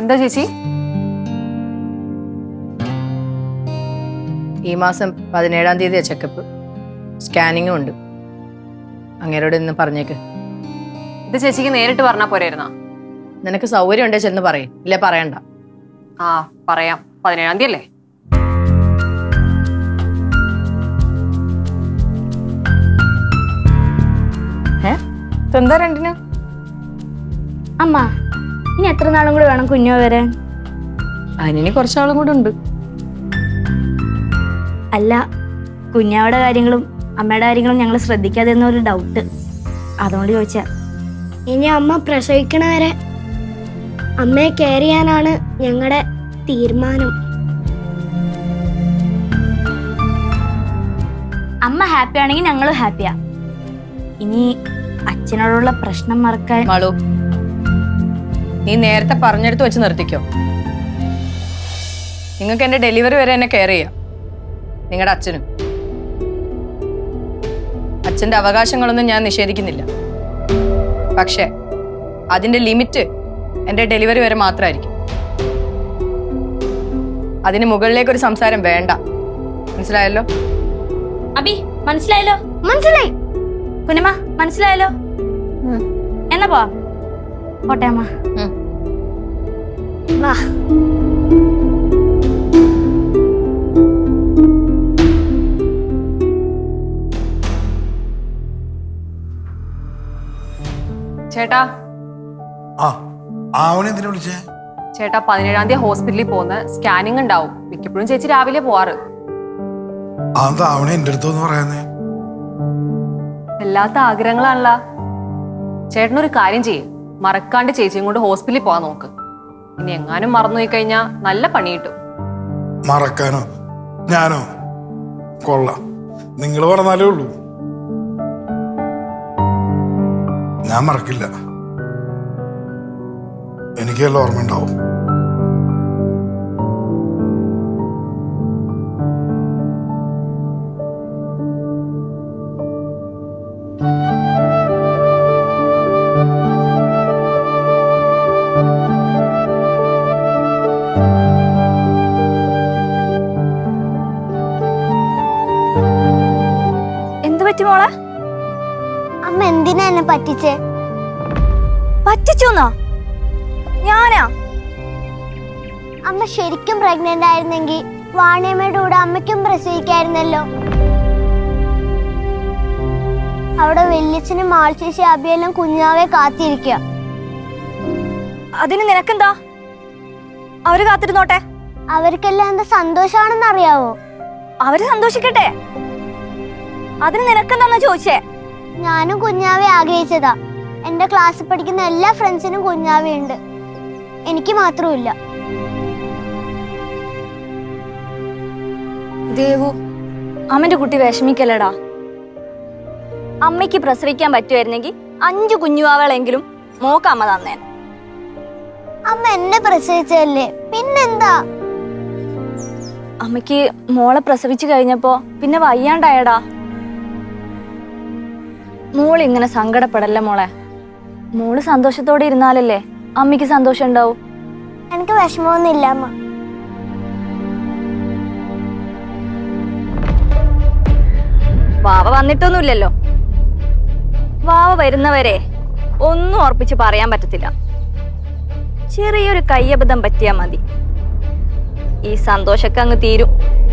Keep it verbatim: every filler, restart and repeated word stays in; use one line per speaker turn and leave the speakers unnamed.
എന്താ ചേച്ചി?
ഈ മാസം പതിനേഴാം തീയതിയാ ചെക്കപ്പ്. സ്കാനിങ്ങും ഉണ്ട്. അങ്ങേരോട് ഇന്ന് പറഞ്ഞേക്ക്.
ഇത് ചേച്ചിക്ക് നേരിട്ട് പറഞ്ഞാ പോരായിരുന്നാ?
നിനക്ക് സൗകര്യം ഉണ്ടേ ചെന്ന് പറയും. ഇല്ല പറയണ്ട.
ആ പറയാം. പതിനേഴാം തീയതി അല്ലേ?
എന്താ രണ്ടിന്?
അമ്മ ഇനി എത്ര നാളും കൂടി വേണം കുഞ്ഞോ വരാൻ?
അതിനി കുറച്ചാളും കൂടെ ഉണ്ട്.
അല്ല, കുഞ്ഞാവിടെ കാര്യങ്ങളും അമ്മയുടെ കാര്യങ്ങളും ഞങ്ങൾ ശ്രദ്ധിക്കാതെ എന്നൊരു ഡൗട്ട്, അതുകൊണ്ട് ചോദിച്ചാ.
ഇനി അമ്മ പ്രസവിക്കണ വരെ അമ്മയെ കെയർ ചെയ്യാനാണ് ഞങ്ങളുടെ തീരുമാനം.
അമ്മ ഹാപ്പി ആണെങ്കിൽ ഞങ്ങളും ഹാപ്പിയാ. ഇനി അച്ഛനോടുള്ള പ്രശ്നം മറക്കാൻ.
മാളു, നീ നേരത്തെ പറഞ്ഞെടുത്ത് വെച്ച് നിർത്തിക്കോ. നിങ്ങൾക്ക് എന്റെ ഡെലിവറി വരെ എന്നെ കെയർ ചെയ്യാം. നിങ്ങളുടെ അച്ഛനും. അച്ഛന്റെ അവകാശങ്ങളൊന്നും ഞാൻ നിഷേധിക്കുന്നില്ല. പക്ഷെ അതിന്റെ ലിമിറ്റ് എന്റെ ഡെലിവറി വരെ മാത്രമായിരിക്കും. അതിന് മുകളിലേക്ക് ഒരു സംസാരം വേണ്ട. മനസ്സിലായല്ലോ?
അബി മനസ്സിലായല്ലോ?
മനസ്സിലായി.
കുഞ്ഞമ്മ മനസ്സിലായല്ലോ? എന്നാ പോ പോട്ടെ അമ്മ.
വാ.
ചേട്ടാ
ആ അവനെന്തിനാ വിളിച്ചേ?
ചേട്ടാ പതിനേഴാം തീയതി ഹോസ്പിറ്റലിൽ പോകുന്ന സ്കാനിങ് ഉണ്ടാവും. മിക്കപ്പോഴും ചേച്ചി രാവിലെ പോവാറ്.
അതാ അവനെ എന്റെ അടുത്തൊന്ന് പറയാന്നേ.
വല്ലാത്ത ആഗ്രഹങ്ങളാണല്ലോ. ചേട്ടനൊരു കാര്യം ചെയ്യും, മറക്കാണ്ട് ചേച്ചിയും കൊണ്ട് ഹോസ്പിറ്റലിൽ പോവാൻ നോക്ക്. ഇനി എങ്ങാനും മറന്നുപോയി കഴിഞ്ഞാൽ നല്ല പണി കിട്ടും.
മറക്കാനോ? ഞാനോ? കൊള്ളാം, നിങ്ങൾ പറഞ്ഞാലേ ഉള്ളൂ. ഞാൻ മറക്കില്ല. എനിക്കെല്ലാം ഓർമ്മ ഉണ്ടാവും.
എന്തു പറ്റി മോളെ?
അമ്മ എന്തിനാ എന്നെ പറ്റിച്ചേ?
പറ്റിച്ചോന്നോ? ഞാനാ?
അമ്മ ശരിക്കും പ്രഗ്നന്റ് ആയിരുന്നെങ്കിൽ വാണിയമ്മയുടെ കൂടെ അമ്മയ്ക്കും പ്രസവിക്കായിരുന്നല്ലോ. അവിടെ വല്യച്ഛനും മാൾച്ചേച്ചി അബിയെല്ലാം കുഞ്ഞാവെ കാത്തിരിക്കുക.
അതിന് നിനക്കെന്താ? അവര് കാത്തിരുന്നോട്ടെ.
അവർക്കെല്ലാം എന്താ സന്തോഷാണെന്ന് അറിയാവോ?
അവര് സന്തോഷിക്കട്ടെ. അതിന് നിനക്കെന്താന്നാ ചോദിച്ചേ?
ഞാനും കുഞ്ഞാവെ ആഗ്രഹിച്ചതാ. എന്റെ ക്ലാസ്സിൽ പഠിക്കുന്ന എല്ലാ ഫ്രണ്ട്സിനും കുഞ്ഞാവയുണ്ട്, എനിക്ക് മാത്രമില്ല.
ദേവു, അമ്മന്റെ കുട്ടി വിഷമിക്കല്ലടാ. അമ്മയ്ക്ക് പ്രസവിക്കാൻ പറ്റുമായിരുന്നെങ്കിൽ അഞ്ചു കുഞ്ഞുവാവളെങ്കിലും മോക്ക് അമ്മ തന്നേൻ.
അമ്മ എന്നെ പ്രസവിച്ചല്ലേ, പിന്നെന്താ?
അമ്മയ്ക്ക് മോളെ പ്രസവിച്ചു കഴിഞ്ഞപ്പോ പിന്നെ വയ്യാണ്ടായടാ. മോള് ഇങ്ങനെ സങ്കടപ്പെടല്ലേ മോളെ. മോള് സന്തോഷത്തോടെ ഇരുന്നാലല്ലേ അമ്മയ്ക്ക് സന്തോഷം ഉണ്ടാവും.
എനിക്ക് വിഷമമൊന്നുമില്ല അമ്മ.
വാവ വന്നിട്ടൊന്നുമില്ലല്ലോ. വാവ വരുന്നവരെ ഒന്നും ഉറപ്പിച്ച് പറയാൻ പറ്റത്തില്ല. ചെറിയൊരു കയ്യബദ്ധം പറ്റിയാ മതി, ഈ സന്തോഷൊക്കെ അങ്ങ് തീരും.